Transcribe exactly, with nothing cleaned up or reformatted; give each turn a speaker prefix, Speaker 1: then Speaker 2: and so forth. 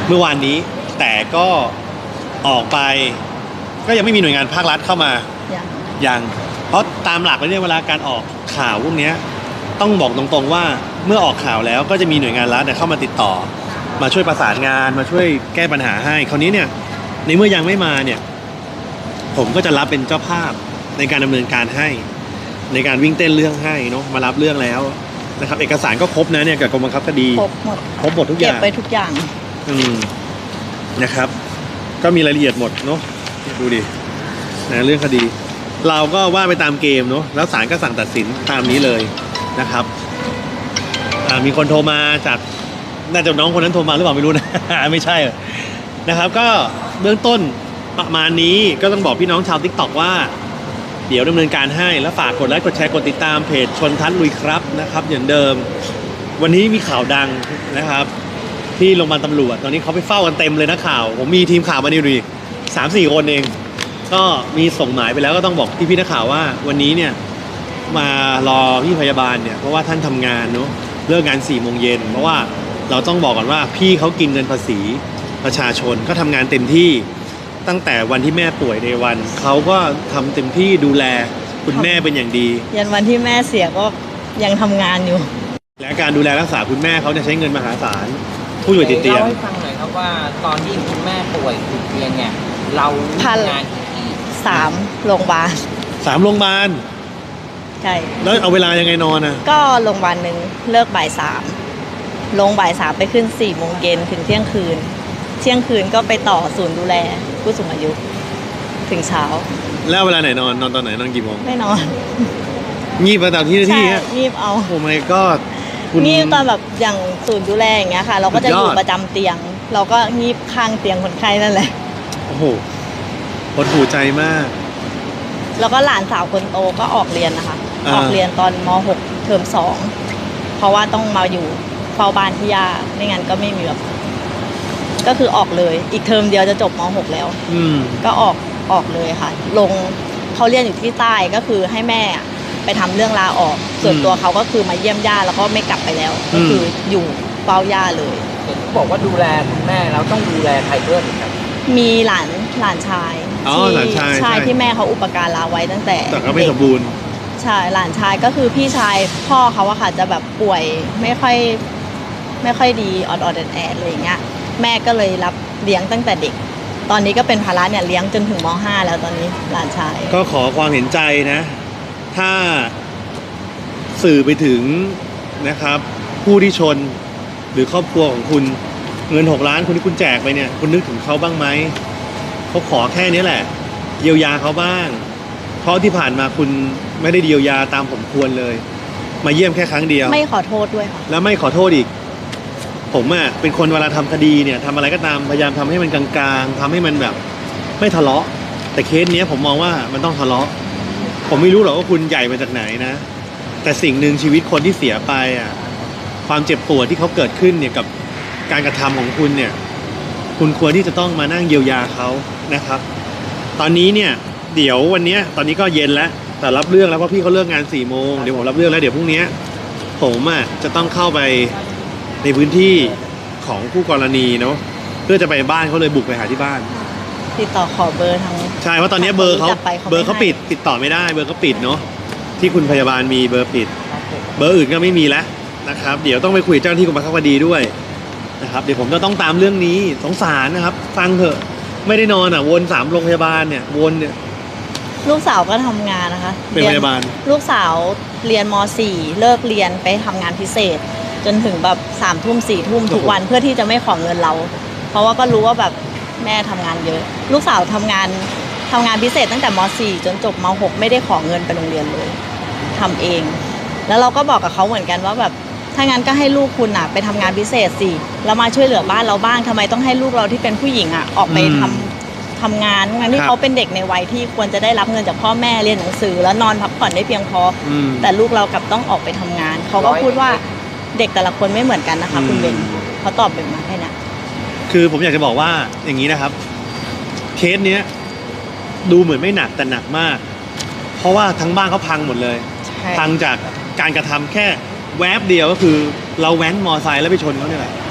Speaker 1: เมื่อวานนี้แต่ก็ออกไปก็ยังไม่มีหน่วยงานภาครัฐเข้ามา
Speaker 2: ยัง
Speaker 1: ยังเพราะตามหลักแล้วเนี่ยเวลาการออกข่าวพวกนี้ต้องบอกตรงๆว่าเมื่อออกข่าวแล้วก็จะมีหน่วยงานรัฐเข้ามาติดต่อมาช่วยประสานงานมาช่วยแก้ปัญหาให้คราวนี้เนี่ยในเมื่อยังไม่มาเนี่ยผมก็จะรับเป็นเจ้าภาพในการดำเนินการให้ในการวิ่งเต้นเรื่องให้เนาะมารับเรื่องแล้วนะครับเอกสารก็ครบนะเนี่ยกับกรมบังคับคดี
Speaker 2: ครบหมด
Speaker 1: ครบหมดทุกอย่าง
Speaker 2: เก็บไปทุกอย่าง
Speaker 1: อืมนะครับก็มีรายละเอียดหมดเนาะดูดินะเรื่องคดีเราก็ว่าไปตามเกมเนาะแล้วศาลก็สั่งตัดสินตามนี้เลยนะครับมีคนโทรมาจากน่าจะน้องคนนั้นโทรมาหรือเปล่าไม่รู้นะ ไม่ใช่นะครับก็เบื้องต้นประมาณนี้ก็ต้องบอกพี่น้องชาว ติ๊กต็อก ว่าเดี๋ยวดำเนินการให้แล้วฝากกดไลค์กดแชร์กดติดตามเพจชนทัศน์ลุยครับนะครับอย่างเดิมวันนี้มีข่าวดังนะครับที่โรงพยาบาลตำรวจตอนนี้เขาไปเฝ้ากันเต็มเลยนะข่าวผมมีทีมข่าวมานี่ดูสามสี่คนเองก็มีส่งหมายไปแล้วก็ต้องบอกพี่พี่นักข่าวว่าวันนี้เนี่ยมารอพี่พยาบาลเนี่ยเพราะว่าท่านทำงานเนาะเลิกงานสี่โมงเย็นเพราะว่าเราต้องบอกก่อนว่าพี่เขากินเงินภาษีประชาชนก็ทำงานเต็มที่ตั้งแต่วันที่แม่ป่วยในวันเขาก็ทำเต็มที่ดูแลคุณแม่เป็นอย่างดี
Speaker 2: ยันวันที่แม่เสียก็ยังทำงานอยู่
Speaker 1: และการดูแลรักษาคุณแม่เขาจะใช้เงินมหาศาลผู้ป่วยติดเตียง
Speaker 3: เล่าให้ฟังหน่อยครับว่าตอนที่คุณแม่ป่วยติดเตียงเนี่ยเราทำงานกี่
Speaker 2: สามโรงพยาบาล
Speaker 1: สามโรงพยาบาล
Speaker 2: ใช่
Speaker 1: แล้วเอาเวลายังไงนอนอ่ะ
Speaker 2: ก็โรงพยาบาลหนึ่งเลิกบ่ายสามลงบ่ายสามไปขึ้นสี่โมงเย็นถึงเที่ยงคืนเที่ยงคืนก็ไปต่อศูนย์ดูแลผู้สูงอายุถึงเช้า
Speaker 1: แล้วเวลาไหนนอนนอนตอนไหนนอนกี่โมง
Speaker 2: ไม่นอน
Speaker 1: งีบไปตามที่ที่ฮะ
Speaker 2: งีบเอา
Speaker 1: โอ้ my god
Speaker 2: งีบตอนแบบอย่างศูนย์ดูแลอย่างเงี้ยค่ะเราก็จะอยู่ประจำเตียงเราก็งีบข้างเตียงคนไข้นั่นแหละ
Speaker 1: โอ้โหหดหูใจมาก
Speaker 2: แล้วก็หลานสาวคนโตก็ออกเรียนนะคะออกเรียนตอนม หกเทอมสองเพราะว่าต้องมาอยู่เฝ้าบ้านที่ย่าไม่งั้นก็ไม่มีแบบก็คือออกเลยอีกเทอมเดียวจะจบม หกแล้วก็ออกออกเลยค่ะลงเขาเรียนอยู่ที่ใต้ก็คือให้แม่ไปทำเรื่องลาออกส่วนตัวเขาก็คือมาเยี่ยมย่าแล้วก็ไม่กลับไปแล้วก็คืออยู่เฝ้าย่าเลย
Speaker 3: เห็นบอกว่าดูแลคุณแม่แล้วต้องดูแลใครด้วยครับ
Speaker 2: มีหลานหลานชาย
Speaker 1: ที่
Speaker 2: ชายที่แม่เขาอุปการะไว้ตั้งแต่
Speaker 1: แต่ก็ไม่สมบูรณ์
Speaker 2: ใช่หลานชายก็คือพี่ชายพ่อเขาอะค่ะจะแบบป่วยไม่ค่อยไม่ค่อยดีออดออดแอดแอดอะไรอย่างเงี้ยแม่ก็เลยรับเลี้ยงตั้งแต่เด็กตอนนี้ก็เป็นภาระเนี่ยเลี้ยงจนถึงม ห้าแล้วตอนนี้หลานชาย
Speaker 1: ก็ขอความเห็นใจนะถ้าสื่อไปถึงนะครับผู้ที่ชนหรือครอบครัวของคุณเงินหกล้านคุณที่คุณแจกไปเนี่ยคุณนึกถึงเขาบ้างไหมเขาขอแค่นี้แหละเยียวยาเขาบ้างเพราะที่ผ่านมาคุณไม่ได้เยียวยาตามผมควรเลยมาเยี่ยมแค่ครั้งเดียว
Speaker 2: ไม่ขอโทษด้วยค่ะ
Speaker 1: แล้วไม่ขอโทษอีกผมอ่ะเป็นคนเวลาทำคดีเนี่ยทำอะไรก็ตามพยายามทำให้มันกลางๆทำให้มันแบบไม่ทะเลาะแต่เคสนี้ผมมองว่ามันต้องทะเลาะผมไม่รู้หรอกว่าคุณใหญ่มาจากไหนนะแต่สิ่งหนึ่งชีวิตคนที่เสียไปอ่ะความเจ็บปวดที่เขาเกิดขึ้นเนี่ยกับการกระทำของคุณเนี่ยคุณควรที่จะต้องมานั่งเยียวยาเขานะครับตอนนี้เนี่ยเดี๋ยววันนี้ตอนนี้ก็เย็นแล้วแต่รับเรื่องแล้วเพราะพี่เขาเลิกงานสี่โมงเดี๋ยวผมรับเรื่องแล้วเดี๋ยวพรุ่งนี้ผมอ่ะจะต้องเข้าไปในพื้นที่ของผู้กรณีเนาะเพื่อจะไปบ้านเขาเลยบุกไปหาที่บ้าน
Speaker 2: ติดต่อขอเบอร์ทาง
Speaker 1: ใช่เพราะตอนนี้เบอร์เขาเบอร์เขาปิดติดต่อไม่ได้เบอร์เขาปิดเนาะที่คุณพยาบาลมีเบอร์ปิดเบอร์อื่นก็ไม่มีแล้วนะครับเดี๋ยวต้องไปคุยเจ้าหน้าที่กรมบังคับคดีด้วยนะครับเดี๋ยวผมจะต้องตามเรื่องนี้สงสารนะครับฟังเถอะไม่ได้นอนอ่ะวนสามโรงพยาบาลเนี่ยวนเนี่ย
Speaker 2: ลูกสาวก็ทำงานนะคะ
Speaker 1: เป็นพยาบาล
Speaker 2: ลูกสาวเรียนม สี่เลิกเรียนไปทำงานพิเศษจนถึงแบบสามทุ่มสี่ทุ่มทุกวันเพื่อที่จะไม่ขอเงินเราเพราะว่าก็รู้ว่าแบบแม่ทำงานเยอะลูกสาวทำงานทำงานพิเศษตั้งแต่ม สี่จนจบม หกไม่ได้ขอเงินไปโรงเรียนเลยทำเองแล้วเราก็บอกกับเขาเหมือนกันว่าแบบถ้างั้นก็ให้ลูกคุณอ่ะไปทำงานพิเศษสิแล้วมาช่วยเหลือบ้านเราบ้างทำไมต้องให้ลูกเราที่เป็นผู้หญิงอ่ะออกไปทำทำงานงั้นที่เขาเป็นเด็กในวัยที่ควรจะได้รับเงินจากพ่อแม่เรียนหนังสือแล้วนอนพักผ่อนได้เพียงพอแต่ลูกเรากลับต้องออกไปทำงานเขาก็พูดว่าเด็กแต่ละคนไม่เหมือนกันนะคะคุณเบนเขาตอบแบบมาแค่นี้
Speaker 1: คือผมอยากจะบอกว่าอย่างนี้นะครับเคสเนี้ยดูเหมือนไม่หนักแต่หนักมากเพราะว่าทั้งบ้านเขาพังหมดเลยพังจากการกระทำแค่แวบเดียวก็คือเราแว้นมอไซค์แล้วไปชนเขาเนี่ยแหละ